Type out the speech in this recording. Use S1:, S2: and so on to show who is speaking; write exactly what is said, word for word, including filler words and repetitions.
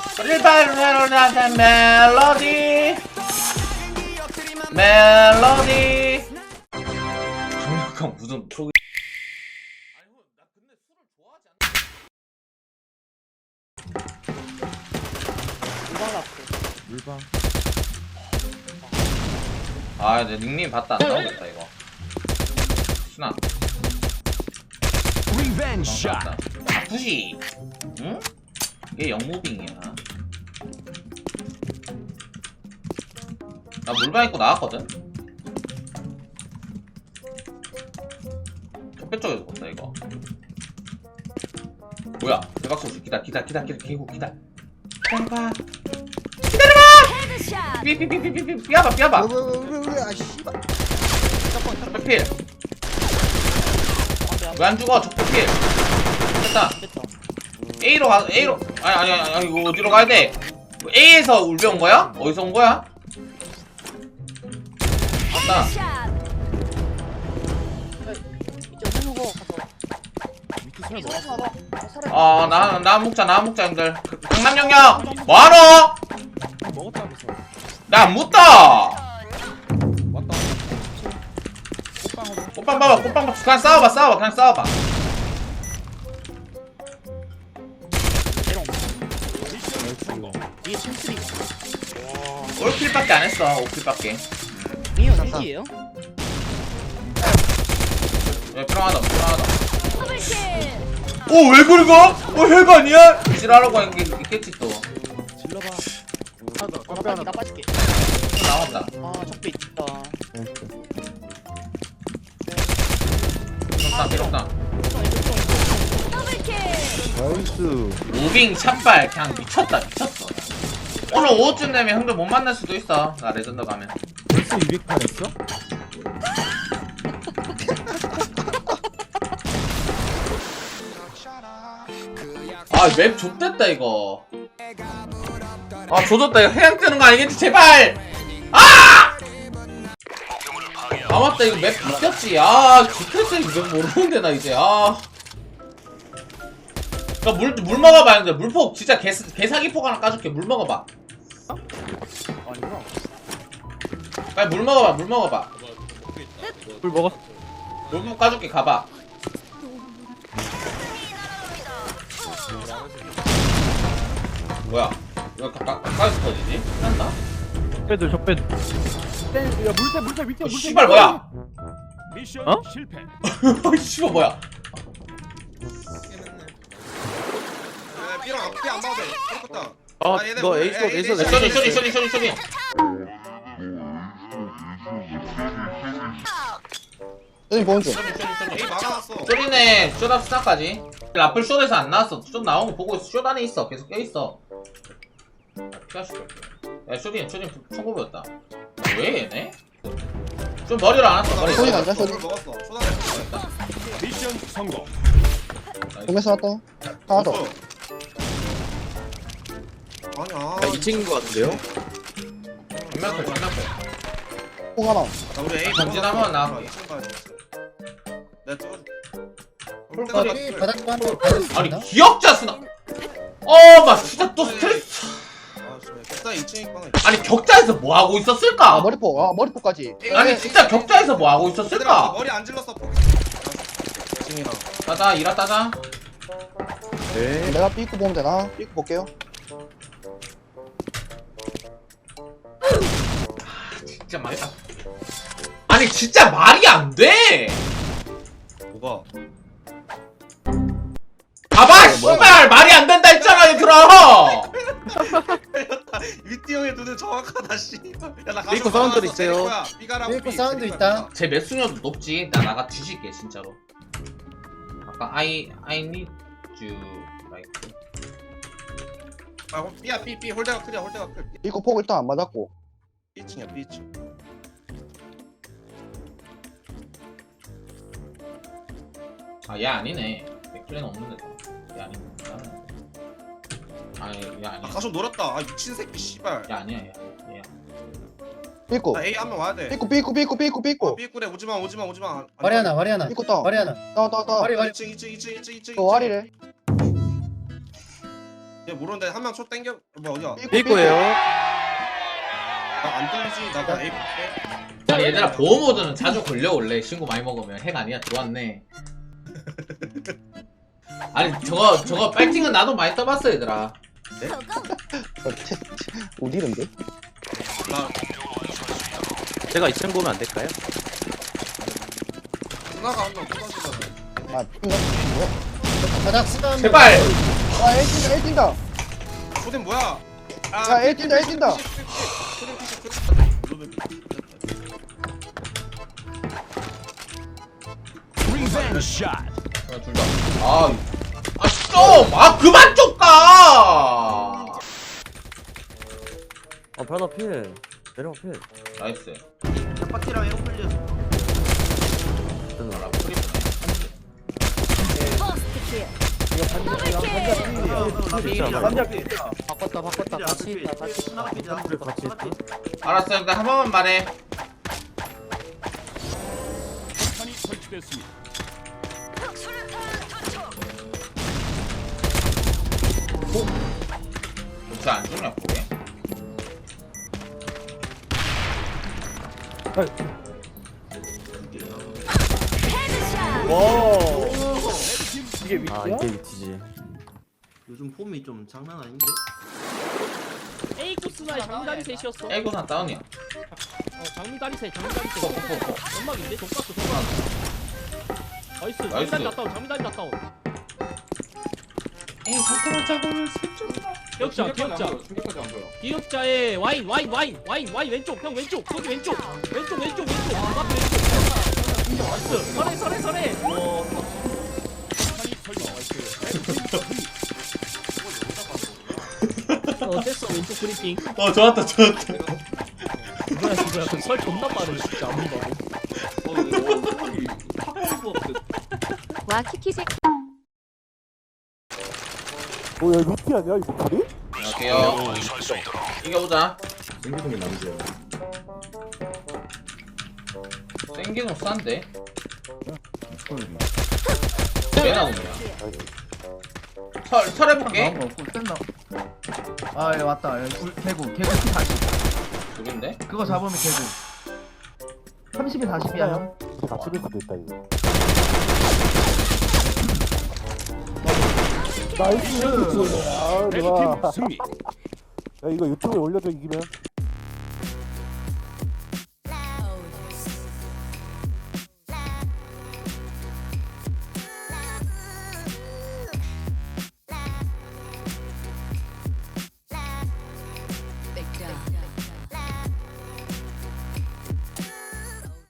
S1: 리바르나한테 멜로디 멜로디 강력한 무슨 프로
S2: 물방.
S1: 아, 내 닉네임 봤다 안 나오겠다 이거. 순아.
S3: 리벤지 샷.
S1: 아프시. 응? 얘 영무빙이야. 나 물방 입고 나왔거든. 첫 쪽에서 본다 이거. 뭐야? 대박 소식. 기다, 기다, 기다, 기다, 기고 기다. 기다려봐. 기다려봐. 삐삐삐삐삐삐 삐아봐, 삐아봐.
S2: 왜왜왜왜 아 씨발.
S1: 적배필. 왜 안 죽어? 적배필. 됐다. A로 가, A로. 아니, 아니, 아니, 이거 어디로 가야 돼? A에서 울배 온 거야? 어디서 온 거야? 맞다. 아, 나, 나 먹자, 나 먹자, 형들. 강남 영역! 뭐하노?
S2: 먹었다면서.
S1: 나 안 묻다!
S2: 왔다. 꽃빵으로.
S1: 꽃빵 봐봐, 꽃빵 봐봐. 그냥 싸워봐, 싸워봐, 그냥 싸워봐.
S4: 이게 칠십이.
S1: 올킬밖에 안 했어, 오킬밖에.
S4: 이거 삼킬이에요?
S1: 야, 필요하다, 필요하다. 오, 왜 긁어? 어, 핵 아니야? 지랄하고 한게 있겠지, 또.
S2: 질러봐.
S4: 하나 더. 나 빠질게. 나 빠질게.
S1: 나왔다.
S4: 아 적배 있다.
S1: 필요없다, 필요없다.
S2: 나이스.
S1: 무빙, 샷발, 그냥 미쳤다, 미쳤어. 오늘 오후쯤 되면 형들 못 만날 수도 있어. 나 레전드 가면.
S2: 벌써 이백팔 했어?
S1: 아, 맵 좆됐다, 이거. 아, 조졌다. 이거 해양 뜨는 거 아니겠지? 제발! 아! 아, 맞다. 이거 맵 바뀌었지. 아, 지크레스 이거 모르는데, 나 이제. 아. 나 물, 물 먹어봐, 형들. 물폭, 진짜 개, 개사기폭 하나 까줄게. 물 먹어봐.
S2: 아니구나.
S1: 빨리 물 먹어봐, 물 먹어봐.
S2: 물 먹었어.
S1: 물폭 까줄게, 가봐. 뭐야? 이거 가까, 가까이서 터지지? 끝났나?
S2: 적배들 적배들. 야 물새 물새 밑에
S1: 어,
S2: 물새.
S1: 씨발, 뭐야?
S3: 미션
S2: 어?
S3: 실패.
S1: 씨발, 뭐야?
S5: B랑 앞에 안 봐도 돼. 그렇다.
S2: 아
S5: 얘네
S2: 너
S5: 뭐-
S2: 에이스
S5: 에이,
S2: 에이스
S5: 에이,
S2: 에이스.
S1: 쇼리, 쇼리, 쇼리, 쇼리, 쇼리.
S6: 여기 보는 중.
S1: 쇼리, 쇼리, 쇼리.
S5: A 막아놨어.
S1: 쇼리네, 쇼답 스나까지. 라플 쇼에서 안 나왔어. 쇼 나온 거 보고 있어. 쇼 안에 있어. 계속 껴있어. 피하시고. 야, 쇼리, 쇼리 천구백이었다. 왜 얘네? 좀 머리를 안 왔어, 머리.
S6: 소리 난다,
S5: 물
S6: 소리.
S5: 먹었어. 초단에 먹었다.
S3: 미션 성공.
S6: 동에서 왔다. 하나 더.
S5: 아니야.
S2: 이 친구인 것 같은데요?
S1: 전면클, 전면클.
S6: 폭 하나.
S5: 나 우리 A
S1: 전진하면 나.
S5: 내가 찍어줄게.
S1: 홀까지
S6: 바닥 한
S1: 아니, 기억자 스나. 어, 막 진짜 또 스트레스.
S5: 아, 진짜 격자 이 층 있거든.
S1: 아니, 격자에서 뭐 하고
S6: 아
S1: 있었을까?
S6: 머리폭. 아 머리폭까지.
S1: 아니, 진짜 격자에서 뭐 하고
S5: 얘들아,
S1: 있었을까?
S5: 머리 안 질렀어. 포기. 이 층이랑.
S1: 따자, 일하 따자.
S2: 네.
S6: 내가 삐꾸 보면 되나? 삐꾸 볼게요.
S1: 진짜 말이 안. 아니, 진짜 말이 안 돼!
S5: 뭐가?
S1: 봐봐, 씨발! 말이 안 된다 했잖아, 얘들아!
S5: 위티 형의 눈은 정확하다 씨. 야, 나
S2: 삐꾸 사운드 있어요.
S5: 삐꾸 사운드 있다.
S1: 제 매수녀도 높지. 나 나가 뒤질게, 진짜로. 아까 I, I need you, like.
S5: 아, B야 B B 홀대가 크리야 홀대가 클.
S6: 삐꾸 폭 일단 안 맞았고.
S5: B 층이야 B 층.
S1: 아, 얘 아니네. 맥클랜 없는데. 얘 아니네. 아니, 얘 아니야.
S5: 아까 좀 놀았다. 아 미친 새끼 씨발.
S1: 얘 아니야, 얘 아니야. 얘야.
S6: 삐꾸.
S5: 나 A 한 명 와야 돼.
S6: 삐꾸 삐꾸 삐꾸 삐꾸
S5: 어,
S6: 삐꾸.
S5: 삐꾸래 오지마 오지마 오지마.
S7: 와리 하나 와리 하나
S6: 삐꾸 다운.
S7: 와리 하나
S6: 다운 다운 다운.
S7: 와리 와리
S5: 이 층 이 층 이 층 이 층 이 층.
S6: 또 와리래.
S5: 얘 모르는데 한 명 초 땡겨. 뭐 어디야?
S2: 삐꾸예요.
S5: 나안 뚫리지. 나 그냥 A 볼게.
S1: 아니 얘들아 보호 모드는 자주 걸려 원래 친구 많이 먹으면 핵 아니야 들어왔네. 아니 저거 저거 빨팅은 나도 많이 떠봤어 얘들아.
S6: 어, 채- 채- 어디는데?
S5: 나
S2: 제가 이 층 보면 안 될까요?
S5: 누나가 한명 쏟아지잖아.
S6: 아 뛴다 뭐야? 가자 쓰다
S1: 제발.
S6: 아 A 뛴다 A 뛴다
S5: 초딩 뭐야?
S6: 야 A 뛴다 A 뛴다
S5: 초딩 피시 초딩.
S3: 리벤 샷.
S1: 하나 둘 다. 아, 아 좀! 아 그만 좀 가!
S2: 어 변화 필. 내려가 필.
S1: 나이스.
S5: 짝박기랑 에어플리어.
S1: 아, 프리프네.
S4: 바꿨다 바꿨다 같이 있다 같이 있다.
S2: 같이 있다.
S1: 알았어, 일단 한 번만 말해.
S3: 탄이 설치됐습니다.
S1: 진짜 안 죽냐 보게.
S2: 이게 위치야? 아 이게 위치지.
S7: 요즘 폼이 좀 장난 아닌데?
S4: A 코스나의 장미다리 셋이었어.
S1: 에이고산 다운이야.
S4: 어 장미다리 셋 장미다리 셋. 연막인데 독박스 독박. 나이스
S1: 나이스.
S4: 장미다리 났다운 장미다리 났다운.
S1: 에이, 살짝만 잡으면 세점.
S4: 기억자 기억자. 기억자에 와인 와인 와인 와인 와인 왼쪽 형 왼쪽 거기 왼쪽 왼쪽 왼쪽 왼쪽 앞 왼쪽. 나이스 설해 설해 설해. 어 됐어 왼쪽 브리핑.
S1: 어, 좋았다, 좋았다.
S4: 뭐야 뭐야 설 존나 빠르네 진짜 안 본다고.
S8: 와 키키색
S2: 뭐야 루티 아니야 이거 다리?
S1: 갈게요. 이겨보자.
S2: 생기동이 남자야.
S1: 생기는 싼데? 개 나오냐? 설, 설 해볼게.
S9: 아, 예, 왔다. 예, 굴- 개구, 개구 피 사십.
S1: 둘인데?
S9: 그거 잡으면 개구. 삼십에 사십이야, 형.
S2: 다 찍을 수도 있다 이거. 나이스. 아
S3: 레드팀 승리.
S2: 야 이거 유튜브에 올려줘 이기면.